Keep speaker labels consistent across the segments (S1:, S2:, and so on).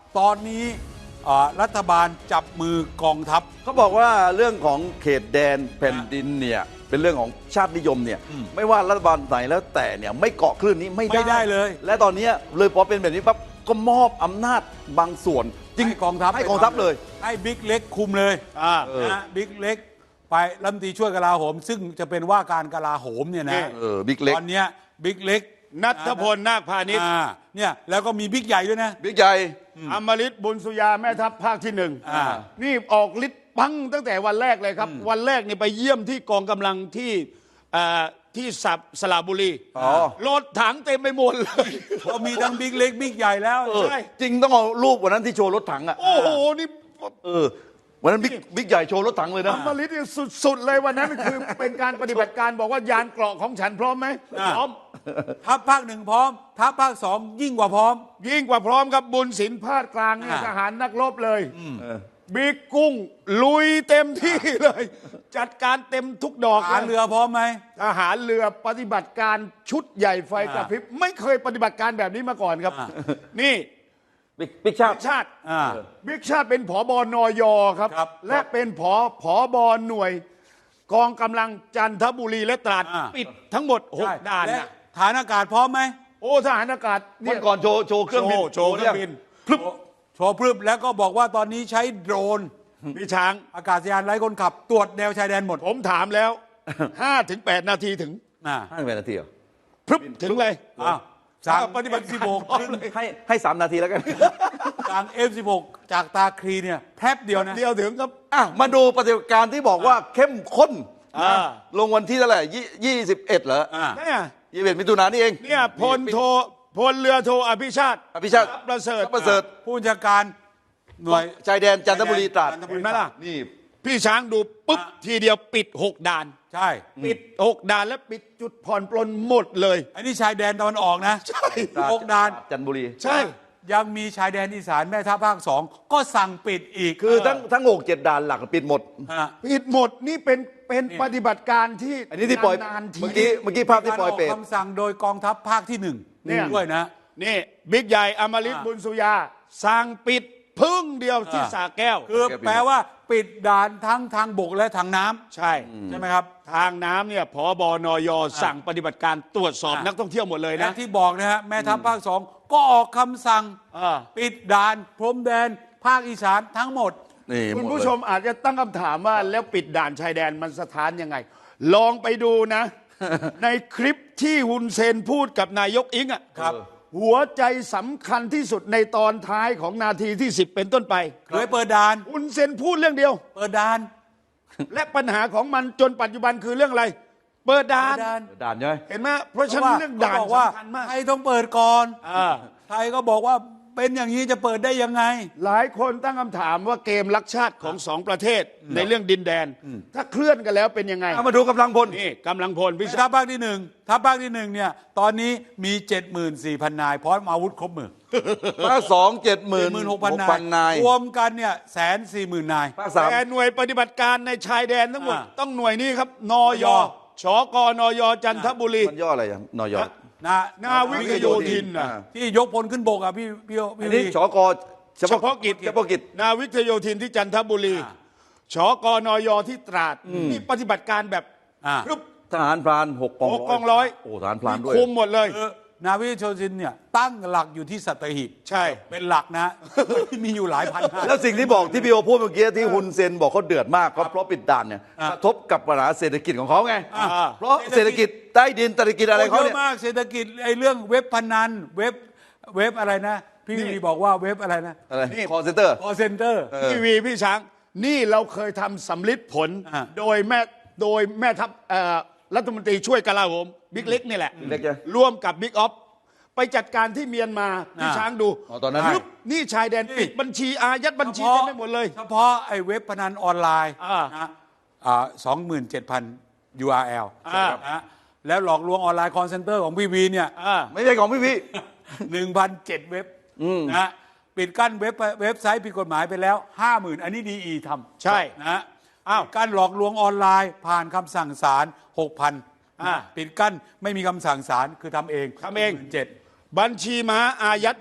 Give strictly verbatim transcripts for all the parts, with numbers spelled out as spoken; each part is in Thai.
S1: ตอนนี้รัฐบาลจับมือกองทัพ
S2: เขาบอกว่าเรื่องของเขตแดนแผ่นดินเนี่ยเป็นเรื่องของชาตินิยมเนี่ยไม่ว่ารัฐบาลไหนแล้วแต่เนี่ยไม่เกาะคลื่นนี้ไม่
S1: ไม่ได้เลย
S2: และตอนนี้เลยพอเป็นแบบนี้ปั๊บก็มอบอำนาจบางส่วนจริง
S1: ให้กองทัพ
S2: ให้กองทัพเลย
S1: ให้บิ๊กเล็กคุมเลย
S3: อ่า
S1: นะบิ๊กเล็กไปรัฐมนตรีช่วยกลาโหม ซึ่งจะเป็นว่าการกลาโหมเนี่ยนะ
S2: เออบิ๊กเล็ก
S1: ตอนเนี้ยบิ๊กเล็ก
S3: นัทพลนาคพาณิชย์
S1: อ่าเนี่ยแล้วก็มีบิ๊กใหญ่ด้วยนะ
S2: บิ๊กใหญ่
S3: อมฤตบุญสุยาแม่ทัพภาคที่หนึ่ง
S1: อ่า
S3: นี่ออกฤทธิ์ปังตั้งแต่วันแรกเลยครับ วันแรกนี่ไปเยี่ยมที่กองกำลังที่อ่าที่สับสระบุรี
S2: อ๋อ
S3: รถถังเต็มไปหมดเลย
S1: ก็มีทั้งบิ๊กเล็กบิ๊กใหญ่แล้ว
S2: เออ
S3: ใช่
S2: จริงต้องเอารูปวันนั้นที่โชว์รถถังอ่ะ
S3: โอ้โหนี่
S2: เออวันนั้นบิ๊กบิ๊กใหญ่โชว์รถถังเลยนะ
S3: อมฤตนี่สุดๆเลยวันนั้นคือเป็นการปฏิบัติการบอกว่ายานเกราะของฉันพร้อมไหมพร้อม
S1: ทัพภาคหนึ่งพร้อม ทัพภาคสองยิ่งกว่าพร้อม
S3: ยิ่งกว่าพร้อมครับบุญศิลป์ภาคกลางเนี่ย
S1: อ่า
S3: ทหารนักรบเลยบิ๊กกุ้งลุยเต็มที่เลย จัดการเต็มทุกดอก
S1: ทหารเรือพร้อมไหม
S3: ทหารเรือปฏิบัติการชุดใหญ่ไฟกระพริบไม่เคยปฏิบัติการแบบนี้มาก่อนครับ
S1: อ่า
S3: นี่
S2: บิ๊กบิ๊กชาติ
S3: บิ๊กชาติ
S1: อ่า
S3: บิ๊กชาติเป็นผอบนอยครับ
S1: ครับ
S3: และเป็นผอผอบหน่วย กองกำลังจันทบุรีและตราด
S1: อ่า
S3: ปิดทั้งหมดหก
S1: ใช่
S3: ด่าน
S1: และ
S3: นะ
S1: ฐานอากาศพร้อมไหม
S3: โอ้ทหารอากาศ
S2: วั
S3: เนี่
S2: น
S3: ย
S2: ก่อนโชว์โชว์เครื่องบิน
S3: โชว์โชว์เครื่องบิน
S1: พรึบโชว์พรึบแล้วก็บอกว่าตอนนี้ใช้โดรน
S3: พี่ช้าง
S1: อากาศยานไร้คนขับ ตรวจแนวชายแดนหมด
S3: ผมถามแล้วห้าถึงแปดนาทีถึง
S1: อ่า
S2: ห้าสิบนาทีเหรอ
S3: พรึบถึงเลย
S1: อ้าวสั่ง
S3: ปฏิบัติ
S1: เอฟสิบหก ขึ้น
S2: ให้ให้สามนาทีแล้วกัน
S1: สั่ง เอฟสิบหก จากตาคลีเนี่ยแป๊บเดียวนะ
S3: เดียวถึงครับ
S2: อ่ะมาดูปฏิบัติการที่บอกว่าเข้มข้น
S3: อ่า
S2: ลงวันที่เท่าไหร่ยี่ยี่สิบเอ็ดเหรอ
S1: อ่า
S3: เนี่ย
S2: ยี่สิบเอ็ดมิถุนายนนี่เอง
S3: เนี่ยพลโทพลเรือโทอภิชาติ
S2: อภิชาติ
S3: ทรัพย์ประเสริฐ
S2: ทรัพย์ประเสริฐ
S1: ผู้บัญชาการหน่วย
S2: ชายแดนจันทบุรีตราด
S1: จันทบุ
S3: เห็นไหมล่ะ
S2: นี่
S3: พี่ช้างดูปุ๊บ
S1: อ่ะ
S3: ทีเดียวปิดหกด่าน
S1: ใช่
S3: ปิดหกด่านแล้วปิดจุดผ่อนปลนหมดเลย
S1: อันนี้ชายแดนตะวันออกนะ
S3: ใช่
S1: หกด่าน
S2: จันทบุรี
S3: ใช่
S1: ยังมีชายแดนอีสานแม่ทัพภาคสองก็สั่งปิดอีก
S2: คือทั้งทั้งหกเจ็ดด่านหลักปิดหมด
S1: ฮะ
S3: ปิดหมดนี่เป็นเป็น
S1: นี่
S3: ปฏิบัติการที่
S2: อันนี้ที่ปล่อย
S3: นานๆที
S2: เมื่อกี้เมื่อกี้ภาพที่ปล่อยเป็ด
S1: การกคำสั่งโดยกองทัพภาคที่หนึ่ง
S3: เนี่ย
S1: ด้วยนะ
S3: นี่บิ๊กใหญ่อมฤต
S1: อ่า
S3: บุญสุยาสั่งปิดพึ่งเดียวที่
S1: อ่า
S3: สาแก้ว
S1: คือแปลว่าปิดด่านทั้งทางบกและทางน้ำ
S3: ใช่
S1: ใช่ไหมครับ
S3: ทางน้ำเนี่ยผบนยสั่งปฏิบัติการตรวจสอบ
S1: อ่ะ
S3: นักท่องเที่ยวหมดเลย
S1: และ
S3: นะ
S1: ที่บอกนะฮะแม่ทัพภาคสองก็ออกคำสั่ง
S3: อ่า
S1: ปิดด่านพรมแดนภาคอีสานทั้งหมด
S2: นี่
S3: คุณ
S2: หด
S3: ผู้
S2: เลย
S3: ชมอาจจะตั้งคำถามว่าแล้วปิดด่านชายแดนมันสถานยังไง ลองไปดูนะ ในคลิปที่ฮุนเซนพูดกับนายกอิงอ่ะ
S1: ครับ
S3: หัวใจสำคัญที่สุดในตอนท้ายของนาทีที่สิบเป็นต้นไป
S1: เคยเปิดด่าน
S3: ฮุนเซนพูดเรื่องเดียว
S1: เปิดด่าน
S3: และปัญหาของมันจนปัจจุบันคือเรื่องอะไร เปิดด่าน
S1: เปิดด่าน
S2: ด่านใช่ไหม
S3: เห็นไหมเพราะฉะนั้นเรื่องด่าน
S1: ขบอกว่า
S3: สำคัญมาก
S1: ไทยต้องเปิดก่อน
S3: อ่า
S1: ไทยก็บอกว่าเป็นอย่างนี้จะเปิดได้ยังไง
S3: หลายคนตั้งคำถามว่าเกมรักชาติของสองประเทศในเรื่องดินแดน ถ้าเคลื่อนกันแล้วเป็นยังไง
S2: เอามาดูกำลังพล
S3: นี่กำลังพลพิ
S1: ทั
S3: ชา
S1: พภาคที่หนึ่งทัพภาคที่หนึ่งเนี่ยตอนนี้มี เจ็ดหมื่นสี่พัน นายพร้อมอาวุธครบมือ
S2: ภาคสองเจ็ดหมื่น
S1: หมื่นห
S2: ห
S1: ก
S2: ก
S1: พัน
S2: พัน
S1: นาน
S2: าย ย
S1: รวมกันเนี่ยแสนสี่หมื่นนาย
S2: ภาคสาม
S3: แต่หน่วยปฏิบัติการในชายแดนทั้งหมด
S1: อ่า
S3: ต้องหน่วยนี้ครับนอย
S1: นย
S3: ชกนยจันทบุรี
S2: มันย่ออะไรอย่างนอยอ
S1: นะ
S3: นาวิกโยธินนะ
S2: อ่า
S1: ที่ยกพลขึ้นบกอ่ะพี่พี่พี่
S2: อันนี้
S1: วี
S2: ชกเฉ
S3: เฉพาะกิจ
S2: เฉพาะกิจ
S3: นาวิกโยธินที่จันทบุรี
S1: อ่า
S3: ชกนยที่ตราดนี่ปฏิบัติการแบบ
S1: อ่า
S3: รึบ
S2: ทหารพรานหกกอง
S3: หกกองร้อย
S2: โอ้ทหารพรานด้วย
S3: คุมหมดเลย
S1: คือนาวิกโยธินเนี่ยตั้งหลักอยู่ที่สัตหีบ
S3: ใช่
S1: เป็นหลักนะ ที่มีอยู่หลายพันนาย
S2: แล้วสิ่งที่บอกที่พี่โอพูดเมื่อกี้ที่ฮุนเซนบอกเขาเดือดมากเพราะเพราะปิดด่านเนี่ย
S1: อ่ะ
S2: กระทบกับปัญหาเศรษฐกิจของเขาไง
S1: อ่า
S2: เพราะเศรษฐกิจใต้ดินเศรษฐกิจอะไรเขา
S1: เย
S2: เนี่ย
S1: อะมากเศรษฐกิจไอ้เรื่องเว็บพนันเว็บเว็บอะไรนะ พี่วีบอกว่าเว็บอะไรนะ
S2: อะไรคอเซนเตอร์
S1: คอเซ็นเตอร์
S3: พี่วีพี่ช้างนี่เราเคยทำสำลิดผล
S1: อ่า
S3: โดยแม่โดยแม่ทัพเอ่อรัฐมนตรีช่วยกลาโหมบิ๊กเล็กนี่แหละ
S2: บิ๊กเล็กใช่ไหม
S3: ร่วมกับบิ๊กออฟไปจัดการที่เมียนมาพี่
S1: อ่า
S3: ช้างดู
S2: อ๋อตอนนั้น
S3: รึบนี่ชายแดน
S1: นี่
S3: ปิดบัญชีอายัดบัญชีเต็มไปหมดเลย
S1: เฉพาะไอ้เว็บพนันออนไลน์
S3: อ่า
S1: นะอ่าสองหมื่นเจ็ดพัน ยู อาร์ แอล
S3: อ่า
S1: นะแล้วหลอกลวงออนไลน์คอนเซ็นเตอร์ของพี่วีเนี่ย
S3: อ่า
S2: ไม่ใช่ของพี่พี่
S1: หนึ่งพันเจ็ดเว็บนะปิดกั้นเว็บเว็บไซต์ผิดกฎหมายไปแล้วห้าหมื่นอันนี้ดีอีทำ
S3: ใช่
S1: นะอ้าวการหลอกลวงออนไลน์ผ่านคำสั่งศาลหกพัน
S3: อ่า
S1: ปิดกั้นไม่มีคำสั่งศาลคือทำเอง
S3: ทำเอง
S1: เจ็ด
S3: บัญชีม้าอายัดเงิน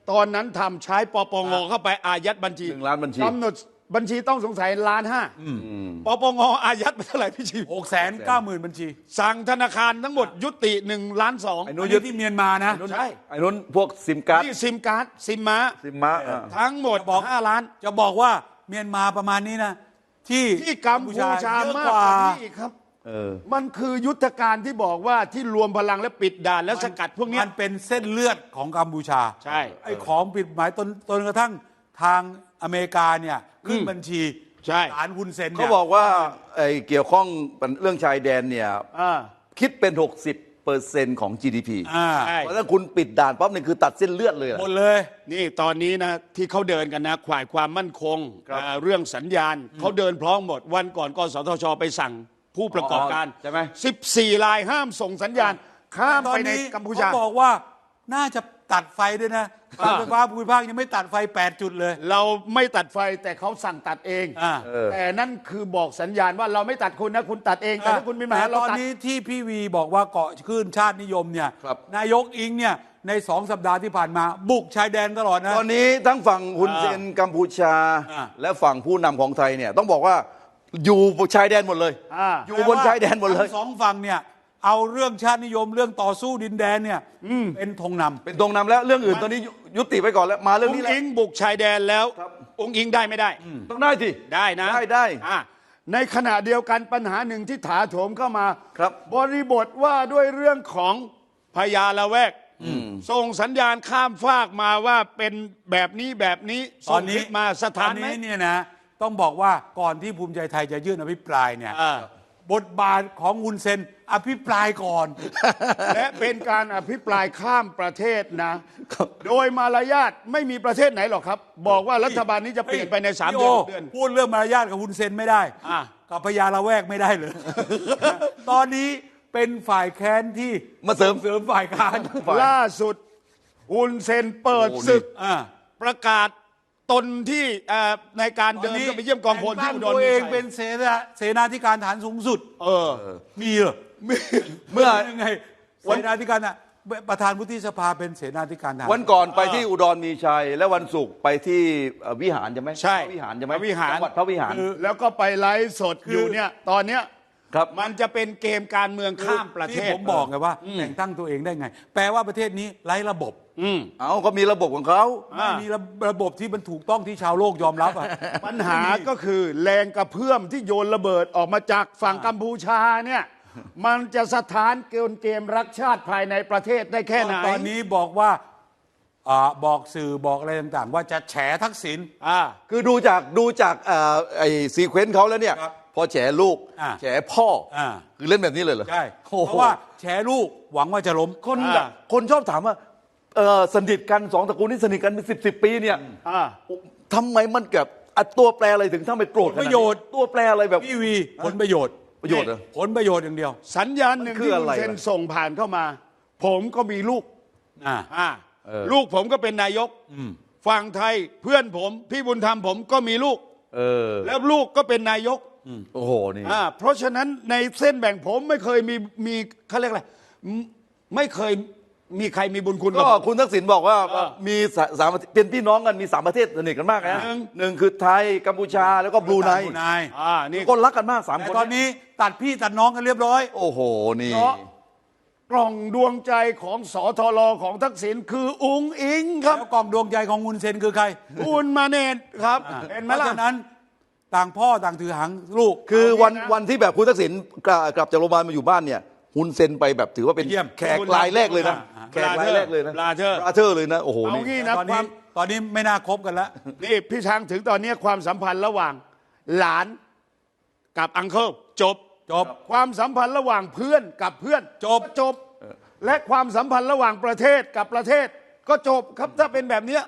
S3: ตอนนั้นทำใช้ปปงเข้าไปอายัดบัญชี
S2: หนึ่งล้านบัญชี
S3: กำหนดบัญชีต้องสงสัยล้านห้าปปงอายัดไปเท่าไหร่พี่ชี
S1: หกแสนเก้าหมื่นบัญชี
S3: สั่งธนาคารทั้งหมดยุติหนึ่งล้านสอง
S2: ไอ้
S1: นู้
S2: นู้
S1: น
S2: น
S1: ยึ
S2: ยึ
S1: ด
S2: ด
S1: ที่เมียนมานะ
S3: ใช่
S2: ไอ้นู้นพวกซิมการ์ด
S3: นี่ซิมการ์ดซิมม้า
S2: ซิมมาอ่ะ
S3: ทั้งหมด
S1: บอก
S3: ห้าล้าน
S1: จะบอกว่าเมียนมาประมาณนี้นะ ที่
S3: ที่กัมพูชา
S1: เยอะ
S3: มาก
S1: ก
S3: ก
S1: ว่า
S3: ว่านี้อีกครับ
S2: เออ
S3: มันคือยุทธการที่บอกว่าที่รวมพลังและปิดด่านและสกัดพวกเนี้ย
S1: มันเป็นเส้นเลือดของกัมพูชา
S3: ใช่
S1: ไอ้ของผิดหมายจนจนกระทั่งทางอเมริกาเนี่ยขึ้นบัญชี
S3: ใช่
S1: ศาลฮุนเซน
S2: เขา
S1: เนี่ย
S2: บอกว่าไอ้เกี่ยวข้องเรื่องชายแดนเนี่ย
S3: อ่า
S2: คิดเป็น หกสิบเปอร์เซ็นต์ของ จี ดี พี
S1: อ่า
S3: ใช่
S2: เพราะถ้าคุณปิดด่านปั๊บนี่คือตัดเส้นเลือดเลยอะ
S1: หมดเลย
S3: นี่ตอนนี้นะที่เขาเดินกันนะข่ายความมั่นคง
S2: ครับ
S3: อ่าเรื่องสัญญาณเขาเดินพร้อมหมดวันก่อนกสทชไปสั่งผู้ประกอบการ
S2: ใช่ไหม
S3: สิบสี่รายห้ามส่งสัญญาณ ข้ามไปในกัมพูชา
S1: เขาบอกว่าน่าจะตัดไฟด้วยนะการไฟฟ้าภูมิภาคยังไม่ตัดไฟแปดจุดเลย
S3: เราไม่ตัดไฟแต่เขาสั่งตัดเอง
S1: อ่า
S2: เออ
S3: แต่นั่นคือบอกสัญญาณว่าเราไม่ตัดคุณนะคุณตัดเองแต่ถ้าคุณมีปัญหา
S1: แต่
S3: เรา
S1: ตอน
S3: ตัด
S1: นี้ที่พี่วีบอกว่าเกาะคลื่นชาตินิยมเนี่ย
S2: ครับ
S1: นายกอิงเนี่ยในสองสัปดาห์ที่ผ่านมา บุกชายแดนตลอดนะ
S2: ตอนนี้ทั้งฝั่งฮุนเซนกัมพูชา
S1: อ่า
S2: และฝั่งผู้นำของไทยเนี่ยต้องบอกว่าอยู่บนชายแดนหมดเลย
S3: อ่า
S2: อยู่บนชายแดนหมดเลย
S1: ทั้งสองฝั่งเนี่ยเอาเรื่องชาตินิยมเรื่องต่อสู้ดินแดนเนี่ยเป็นธงนำ
S2: เป็นตรงนำแล้วเรื่องอื่นตอนนี้ยุยุติไปก่อนแล้วมาเรื่อง
S3: อง
S2: นี้
S3: ค์
S2: แล้ว
S3: อิงบุกชายแดนแล้ว
S2: ครับ
S3: องค์อิงได้ไม่ได้
S2: ต้องได้สิ
S3: ได้นะ
S2: ได้ได้
S3: อ่ะในขณะเดียวกันปัญหาหนึ่งที่ถาโถมเข้ามา
S2: ครับ
S3: บริบทว่าด้วยเรื่องของพญาละแวกส่งสัญญาณข้ามฟากมาว่าเป็นแบบนี้แบบนี้
S1: ตอนนี้
S3: ส่งคลิปมาส
S1: ตอ
S3: ถาน นไหม
S1: นี้เนี่ยนะต้องบอกว่าก่อนที่ภูมิใจไทยจะยื่นอภิปรายเนี่ย
S3: อ่า
S1: บทบาทของฮุนเซนอภิปรายก่อน
S3: และเป็นการอภิปรายข้ามประเทศนะ โดยมารยาทไม่มีประเทศไหนหรอกครับ บอกว่ารัฐบาลนี้จะเปลี่ยนไปในสาม
S1: พี่
S3: เดือน
S1: โ
S3: หกเดือน
S1: พูดเรื่องมารยาทกับฮุนเซนไม่ได้
S3: อ่ะ
S1: กับพญาละแวกไม่ได้เลย ตอนนี้เป็นฝ่ายแค้นที่
S2: มาเสริม
S1: เสริมฝ่ายค้าน
S3: ล่าสุดฮุนเซนเปิด
S2: โอ้โห
S3: ศึก
S1: อ่า
S3: ประกาศตนที่เอ่อในการเดินเข้าไปเยี่ยมกองพลที่อุดร
S1: ตัว
S3: มี
S1: เอง
S3: ชัย
S1: เป็นเสนาเสนาธิการฐานสูงสุด
S3: เออ
S1: มีเหรอ
S2: เมื่อ
S1: ยังไงเสนาธิการอ่ะประธานวุฒิสภาเป็นเสนาธิการฐาน
S2: วันก่อนไปที่อุดรมีชัย และวันศุกร์ไปที่เอ่อวิหารใช่ไหม
S3: ใช่
S2: พระวิหารใช่ไหม
S3: พระวิหาร
S2: จังหวัดพระวิหาร
S3: แล้วก็ไปไลฟ์สดอยู่เนี่ยตอนเนี้ย
S2: ครับ
S3: มันจะเป็นเกมการเมืองข้ามประเท
S1: ที่
S3: ศ
S1: ผมบอกไงว่าแต่งตั้งตัวเองได้ไง แปลว่าประเทศนี้ไร้ระบบ
S3: อืม
S2: เอาก็มีระบบของเขา
S1: ไม่มีระระบบที่มันถูกต้องที่ชาวโลกยอมรับอ่ะ
S3: ปัญหาก็คือแรงกระเพื่อมที่โยนระเบิดออกมาจากฝั่งกัมพูชาเนี่ย มันจะสถานเกมเกมรักชาติภายในประเทศได้แค่ไหน
S1: ตอนนี้บอกว่าอ่าบอกสื่อบอกอะไรต่างๆ ว่าจะแฉทักษิณ
S3: อ่า
S2: คือดูจากดูจากเอ่อไอ้ซีเควนต์เขาแล้วเนี่ย
S1: ครับ
S2: พอแฉลูก
S1: อ่า
S2: แฉพ่ออา คือเล่นแบบนี้เลยเหรอ
S1: ใช่
S2: โอ้โห
S1: เพราะว่าแฉลูกหวังว่าจะล้ม
S2: คน
S3: อ่า
S2: แบบคนชอบถามว่าเออสนิทกันสองตระกูลนี่สนิทกันเป็นสิบสิบปีเนี่ย
S3: อ่า
S2: ทำไมมันแบบอ่ะตัวแปรอะไรถึงทำไปโกรธขนาด
S1: ประ
S2: นี้
S1: โยชน์
S2: ตัวแปรอะไรแบบ
S1: พี่วีผลประโยชน์
S2: ประโยชน์เหรอ
S1: ผลประโยชน์อย่างเดียว
S3: สัญญาณหนึ่ง
S2: มันคือ
S3: ที่
S2: อะ
S3: คุ
S2: ไร
S3: ณเซน
S2: ล่ะ
S3: ส่งผ่านเข้ามา ผมก็มีลูก
S1: อ่า
S3: อ่า
S2: เออ
S3: ลูกผมก็เป็นนายกฝั่งไทยเพื่อนผม พี่บุญธรรมผมก็มีลูก
S2: เออ
S3: แล้วลูกก็เป็นนายก
S2: โอ้โหนี่
S3: อ่าเพราะฉะนั้นในเส้นแบ่งผมไม่เคยมีมีเขาเรียกอะไรไม่ไม่เคยมีใครมีบุญคุณกับ
S2: ก็
S3: ผม
S2: คุณทักษิณบอกว่า
S3: เออ
S2: มีสาสามเป็นพี่น้องกันมีสามประเทศสนิทกันมากนะ
S3: หนึ่ง
S2: หนึ่งคือไทยกัมพูชาแล้วก็บรูไน
S1: บรูไน
S3: อ่านี่
S2: ก็รักกันมากสาม
S1: แต่
S2: คน
S1: ตอนนี้ตัดพี่ตัดน้องกันเรียบร้อย
S2: โอ้โหนี่
S3: เพราะกล่องดวงใจของสอทรของทักษิณคืออุงอิงครับ
S1: แล้วกล่องดวงใจของฮุนเซนคือใคร
S3: คุณมาเนตครับ เห็นไหม
S1: เพราะ
S3: ล่ะ
S1: ฉะนั้นต่างพ่อต่างถือหางลูก
S2: คือวัน
S3: เอางี้นะ
S2: วันที่แบบคุณทักษิณกลับกลับจากโรงพยาบาลมาอยู่บ้านเนี่ยฮุนเซนไปแบบถือว่าเป็น
S1: เยี่ยม
S2: แขกรายแรกเลยนะ
S1: อ่า
S2: แขกรายแรกเลยนะ
S3: บราเธอร์
S2: บราเธอร์เลยนะโอ้โห
S3: เอา
S2: นี่
S3: งี้
S1: ต
S3: นะ
S1: อน
S3: ควา
S1: นี้
S3: ม
S1: ตอนนี้ไม่น่าคบกันแล้ว
S3: นี่พี่ช้างถึงตอนนี้ความสัมพันธ์ระหว่างหลานกับอังเคิลจบ
S1: จบ
S3: ความสัมพันธ์ระหว่างเพื่อนกับเพื่อน
S1: จบ
S3: ก็จบ และความสัมพันธ์ระหว่างประเทศกับประเทศ ก็จบครับถ้าเป็นแบบเนี้ย